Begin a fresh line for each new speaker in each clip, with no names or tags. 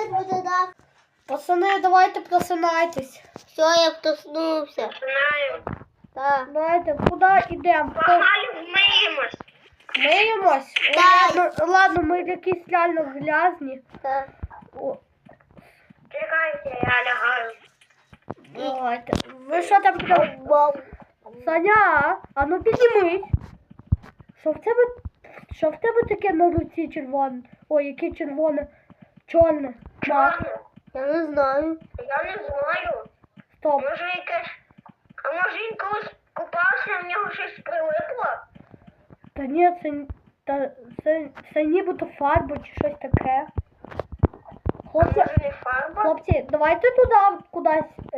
буде так.
Пацани, давайте просинайтесь.
Все, я проснувся.
Знаю.
Так.
Давайте, куди йдемо?
Погнали вмиємось.
Миємось?
Так.
Ладно, ми якісь реально грязні.
Так.
О,
Чекайте, я лягаю.
давайте. Ви що там прям?
Вау.
Саня, а ну піднімись. Що в тебе таке на руці червоне? Ой, яке червоне, чорне. Так,
Чорно?
Я не знаю.
Я не знаю.
стоп.
Може якесь... А може він колись купався, в нього щось прилипло?
Та ні, це нібито фарба чи щось таке.
А
Хлопці,
може не фарба?
хлопці, давайте туди кудись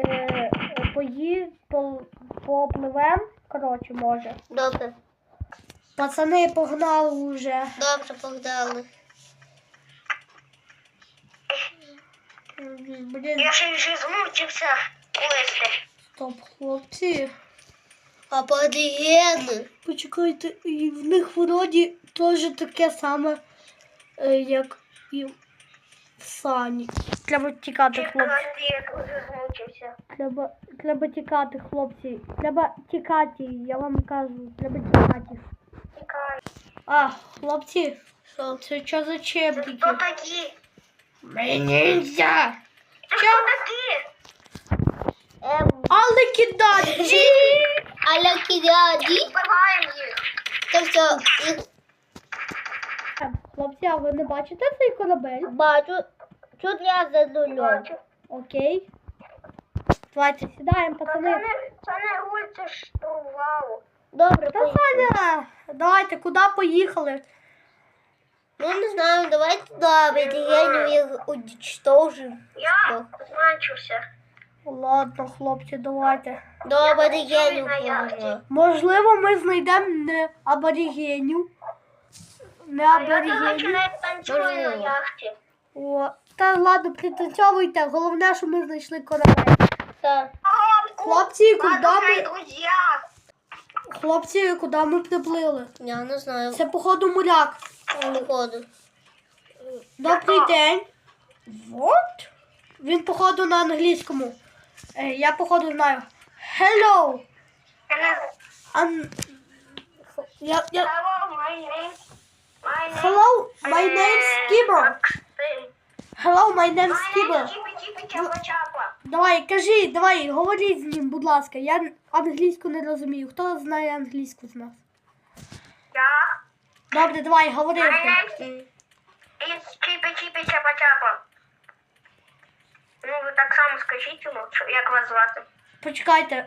попливем. Коротше, може.
Добре.
Пацани, погнали вже.
Добре, погнали.
Блін,
Я ще вже змучився плисти.
стоп, хлопці.
А подігени?
Почекайте, і в них вроді теж таке саме, як і в Сані. Треба тікати, хлопці.
Чекайте, я дуже змучився.
Треба тікати, хлопці. Треба тікати, я вам кажу, треба тікати.
Чекай.
А, хлопці,
Що?
це що за
Це
чебрики?
хто такі?
Ми ніндзя!
Це хто такі?
Але кидати!
Аля кідаді?
Вбиваємо їх.
Це все.
Хлопці, а ви не бачите цей корабель?
Бачу. Тут я за нулем.
Бачу.
Окей. Давайте сідаємо, пацани.
Це не гуль, це штурвал.
Добре,
Та
поїхали.
Саня, давайте, куди поїхали?
Ну, не знаю, давайте туди, подігенів їх уничтожимо.
Я змучився.
Ладно, хлопці, давайте.
До аборігенів
на яхті.
поїхали.
Можливо, ми знайдемо не аборігенів. Не
А я, до речі,
аборігенів.
не танцюю на
Можливо.
яхті.
О, та ладно, пританцьовуйте. Головне, що ми знайшли корабель.
Так.
Хлопці, куди
Ладно,
ми...
друзі.
Хлопці, куди ми приплили?
Я не знаю.
Це, походу, моряк.
Походу.
Добрий день. What? Він, походу, на англійському. Я, походу, знаю. Hello. Я...
Hello, my name.
Hello, my name's Skibber. Hello, my name's Skibber.
Чіпі-чіпі-чапа-чапа.
Давай, кажи, давай, говоріть з ним, будь ласка. Я англійську не розумію. Хто знає англійську з нас?
Я.
Добре, давай, говори.
My name is чіпі-чіпі-чапа-чапа. Ну, ви так само скажіть йому, як вас звати.
Почекайте.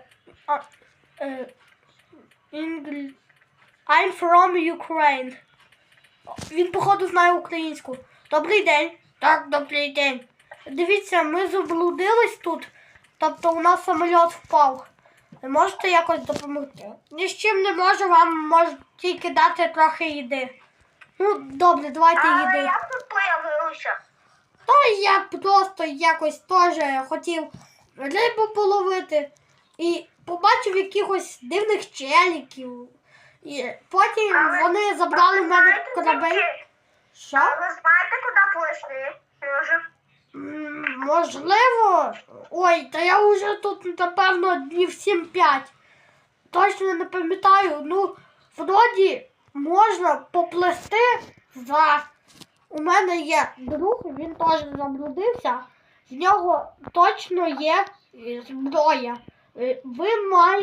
I'm from Ukraine. Він, походу, знає українську. Добрий день. Так, добрий день. Дивіться, ми заблудились тут. Тобто у нас самоліт впав. Ви можете якось допомогти? Ні з чим не можу, вам можу тільки дати трохи їди. Ну, добре, давайте
Але
їди.
як тут появилося?
Та я просто якось теж хотів рибу половити і побачив якихось дивних челіків. І потім вони забрали в мене корабель. Що?
А ви знаєте, куди плисти? Може?
Можливо. Ой, та я вже тут, напевно, днів 7-5. Точно не пам'ятаю. Ну, вроді можна поплисти за... У мене є друг, він теж заблудився. В нього точно є зброя. Ви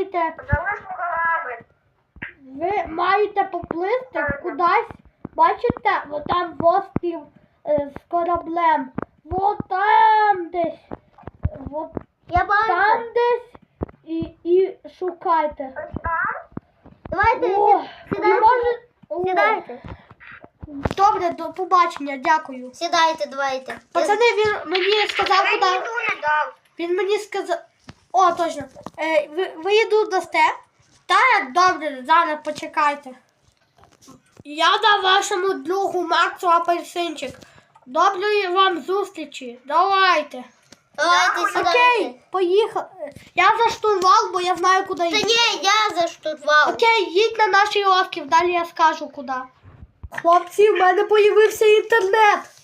маєте поплисти кудись. Бачите, там острів з кораблем. Вот там десь. Вот
Я бачу.
там десь. І шукайте.
Ось там?
Давайте,
О,
сідайте.
і може... О,
Сідайте.
Добре, до побачення, дякую.
Сідайте, давайте.
Пацани, він мені сказав,
Я
куди.
їду не дав.
Він мені сказав... О, точно. Ви їду дасте? Так, добре, зараз почекайте. Я дав вашому другу Максу апельсинчик. Доброї вам зустрічі. Давайте.
Давайте, сідайте.
Окей, поїхали. Я за штурвал, бо я знаю, куди
Та
їхати.
ні, я за штурвал.
Окей, їдь на наш острів, далі я скажу, куди. Хлопці, в мене появився інтернет.